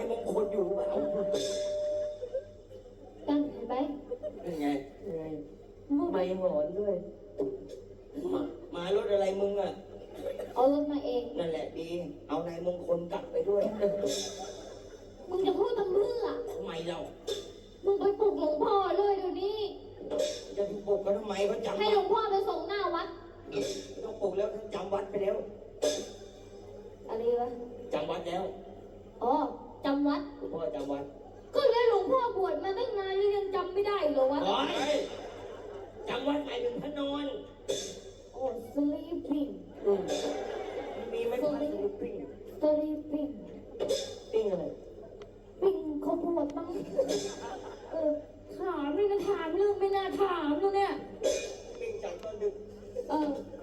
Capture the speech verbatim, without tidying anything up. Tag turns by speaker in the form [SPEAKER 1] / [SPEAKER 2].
[SPEAKER 1] มงคลอยู่เปล่า
[SPEAKER 2] ตั้งเห็นไหม
[SPEAKER 1] เป็นไง
[SPEAKER 3] ไงไม่หอนด้วย
[SPEAKER 1] มามารถอะไรมึงอ่ะ
[SPEAKER 2] เอารถมาเอง
[SPEAKER 1] นั่นแหละดีเอานายมงคลกลับไปด้วย
[SPEAKER 2] มึงจะพูดทำเพื่อ
[SPEAKER 1] ทำไมเรา
[SPEAKER 2] มึงไปปลุกหลวงพ่อเลยเดี๋ยวนี้
[SPEAKER 1] จะปลุกเขาทำไมเขาจำ
[SPEAKER 2] ให้หลวงพ่อไปส่งหน้าวัด
[SPEAKER 1] ต้องปลุกแล้วจำวัดไปแล้ว
[SPEAKER 2] อะไรวะ
[SPEAKER 1] จำวัดแล้ว
[SPEAKER 2] อ๋อจำวัด
[SPEAKER 1] หลวงพ่อจำวัด
[SPEAKER 2] ก็แล้วหลวงพ่อบวชมาตั้งนานแล้วยังจำไม่ได้เหรอวะ
[SPEAKER 1] จำวัดหมายถึงพระนอน
[SPEAKER 2] โอ้ sleeping
[SPEAKER 1] มีไหมพระ sleeping
[SPEAKER 2] sleeping
[SPEAKER 1] ปิ้งอะไร
[SPEAKER 2] ปิ้งข้าวโพดมั้งเออถามไม่น่าถามเรื่องไม่น่าถามตรงเนี้ย
[SPEAKER 1] ปิ้งจากตอนดึก
[SPEAKER 2] เออ